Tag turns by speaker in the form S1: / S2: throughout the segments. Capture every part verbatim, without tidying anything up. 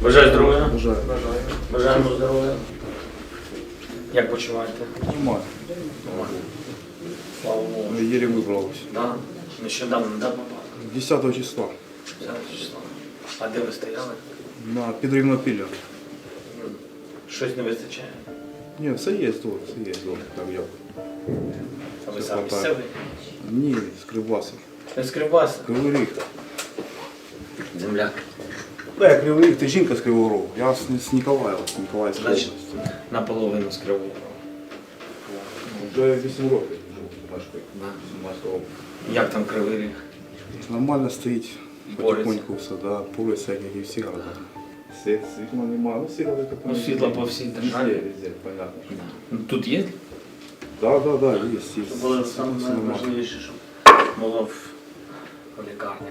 S1: Бажаю здоров'я.
S2: Бажаю.
S1: Бажаємо здоров'я. Як почуваєте?
S2: Нормально.
S1: Нормально. Слава Богу.
S2: Еле выбралась.
S1: Да? Нещодавно, да, попали?
S2: десятого числа
S1: десятого числа. А де ви стояли?
S2: на Підрівнопілля.
S1: Щось не вистачає?
S2: Ні, все є тут, все є тут, так як.
S1: А ви
S2: Все
S1: сам
S2: хватає.
S1: місцевий?
S2: Ні, з Кривбаса.
S1: Не з Кривбаса?
S2: Кривий Ріг.
S1: Земляк.
S2: Да, я Кривий Ріг, ти жінка з Кривого Рогу. Я з, з Ніколаєва, з Ніколаївської
S1: Значить,
S2: області.
S1: наполовину з Кривого Рогу.
S2: Вже вісім років живу в Машкою.
S1: Да.
S2: вісімнадцятого року.
S1: Як там Кривий Ріг?
S2: Нормально стоїть,
S1: Бореться.
S2: потихоньку все, да, полиця, як і всі города. Світ, світла немає, ну світла таке.
S1: Ну, світла по всій державі.
S2: Везде, везде, понятно. що.
S1: Ну, тут є?
S2: Да, да, да, є, є.
S1: Це було
S2: Все
S1: саме
S2: нормально.
S1: найважливіше, щоб було в в лікарні.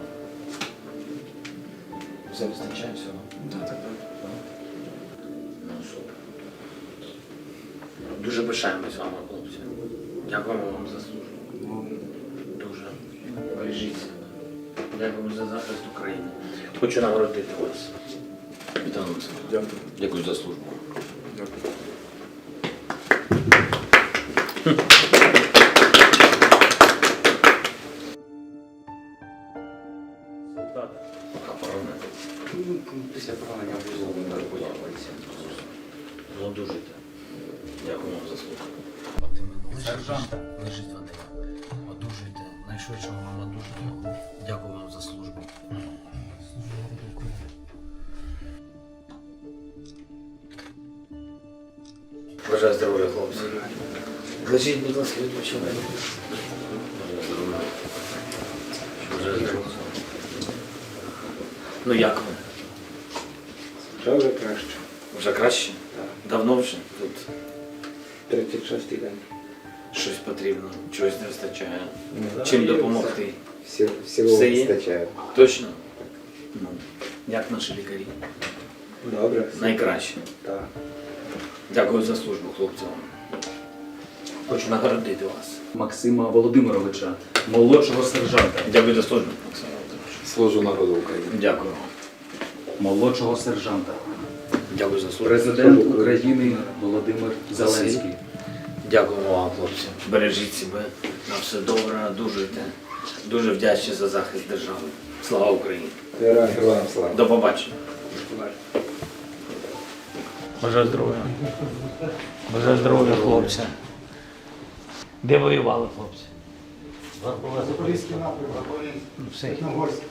S1: Все вистачає всього? Так, так, так. Ну, супер. Дуже пишаємось вами, хлопці. Дякуємо вам за службу. Дуже. Бережіть себе. Дякуємо за захист України. Хочу нагородити вас. Вітаю вас.
S2: Дякую.
S1: Дякую за службу.
S2: Дякую.
S1: А поранити? Після поранення обов'язково не появиться. Одужуйте. Дякую вам за слуху. Сержант лежить вода. Одужуйте. Найшвидшого вам одужання. Дякую вам за службу. Бажаю здоров'я, хлопці. Лежіть, будь ласка, відпочивайте. Бажаю здоров'я. Бажаю здоров'я. Ну як ви?
S3: Вже вже краще.
S1: Вже краще?
S3: Так.
S1: Давно вже тут
S3: тридцять шостий день.
S1: щось потрібно, чогось не вистачає.
S3: Ну,
S1: Чим
S3: да.
S1: допомогти?
S3: Всі, всього
S1: Все є?
S3: вистачає.
S1: Точно? Ну, як наші лікарі?
S3: Добре.
S1: Найкраще.
S3: Так.
S1: Дякую за службу, хлопцям. Хочу нагородити вас.
S4: Максима Володимировича, молодшого сержанта.
S1: Дякую за службу, Максим Володимирович.
S3: Служу народу України.
S1: Дякую.
S4: Молодшого сержанта.
S1: Дякую за службу.
S4: Президент України Володимир Зеленський.
S1: Дякуємо вам, хлопці. Бережіть себе. На все добре, одужуйте. Дуже вдячні за захист держави. Слава Україні!
S3: Героям слава.
S1: До побачення. Бажаю здоров'я. Бажаю здоров'я, хлопці. Де воювали, хлопці?
S5: Запорізький напрямок,
S1: Ну, все.
S5: Чорногорськ.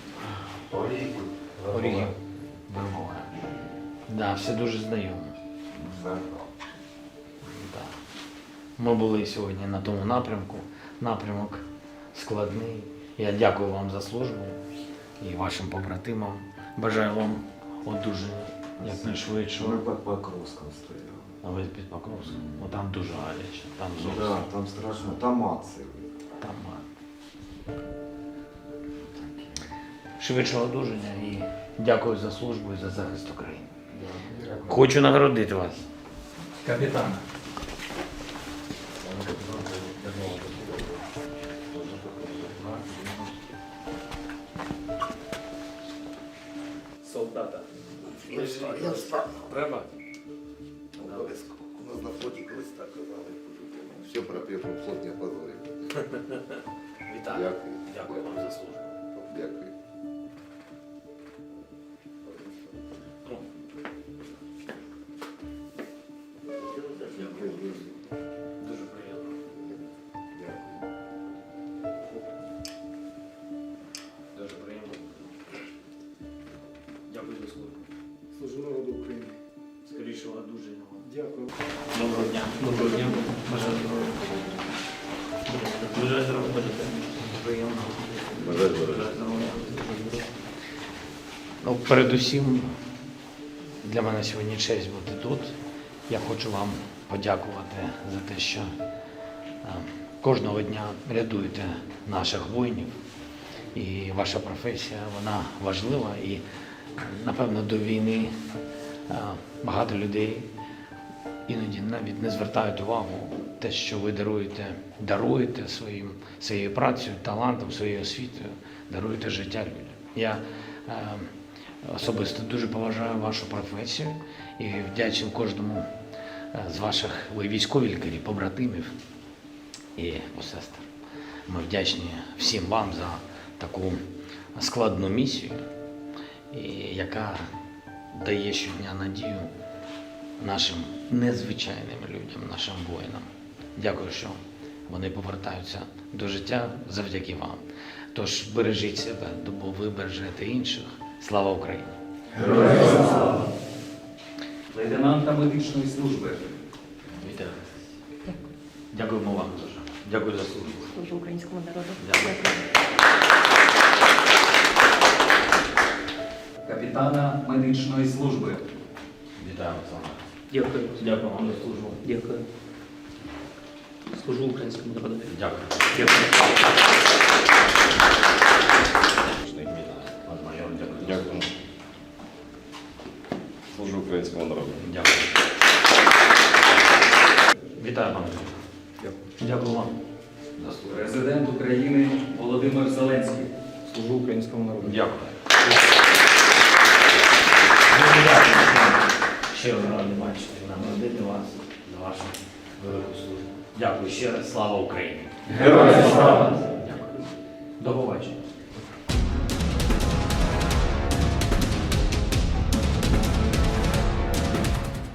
S1: Орігів. Вербова. Да, все дуже знайомо. Да. Ми були сьогодні на тому напрямку. Напрямок складний. Я дякую вам за службу і вашим побратимам. Бажаю вам одужання якнайшвидшого.
S6: Ми під Покровськом стояли.
S1: А ви під Покровськом? Ну там дуже гаряче, там зовсім.
S6: Да, там страшно. Там акції.
S1: Там а, швидшого одужання і дякую за службу і за захист України. Хочу нагородити вас. Капітан. Солдата.
S7: Я встав.
S1: Треба?
S7: Обов'язково. У нас на флоті колись так казали. Все про перший флот не позорив.
S1: Вітаю.
S7: Дякую.
S1: Дякую вам за службу.
S7: Дякую.
S1: Ну. Дякую. Дуже приємно. Дуже приємно. Дякую за службу.
S5: Служу народу України.
S1: Скорішого одужання вам.
S5: Дякую.
S1: Доброго дня. Доброго дня. Бажаю здоров'я. Бажаю здоров'я. Приємно.
S7: Бажаю
S1: Бажаю здоров'я. Ну, передусім, для мене сьогодні честь бути тут. Я хочу вам подякувати за те, що е, кожного дня рятуєте наших воїнів. І ваша професія, вона важлива. І, напевно, до війни е, багато людей іноді навіть не звертають увагу те, що ви даруєте, даруєте своїм, своєю працею, талантом, своєю освітою, даруєте життя людям. Я е, особисто дуже поважаю вашу професію і вдячний кожному е, з ваших, ви військові лікарі, побратимів і посестер. Ми вдячні всім вам за таку складну місію, і яка дає щодня надію нашим незвичайним людям, нашим воїнам. Дякую, що вони повертаються до життя завдяки вам. Тож бережіть себе, бо ви бережете інших. Слава Україні!
S4: Лейтенанта медичної служби.
S1: Вітаю. Дякуємо вам дуже. Дякую за службу.
S8: Служу українському народу.
S1: Дякую.
S4: Капітана медичної служби.
S1: Вітаю, Олександр.
S9: Дякую.
S1: Дякую вам за службу.
S9: Дякую. Служу українському народу.
S1: Дякую.
S9: Дякую.
S1: Пан майор, дякую.
S2: Дякую. Служу українському народу.
S1: Дякую. Вітаю, пане. Дякую. Дякую вам. За службу.
S4: Президент України Володимир Зеленський.
S5: Служу українському народу.
S1: Дякую. Дуже дякую. Щиро радий бачити, нагородити вас за вашу велику службу. Дякую ще раз. Слава Україні! Героям слава! Дякую. До побачення.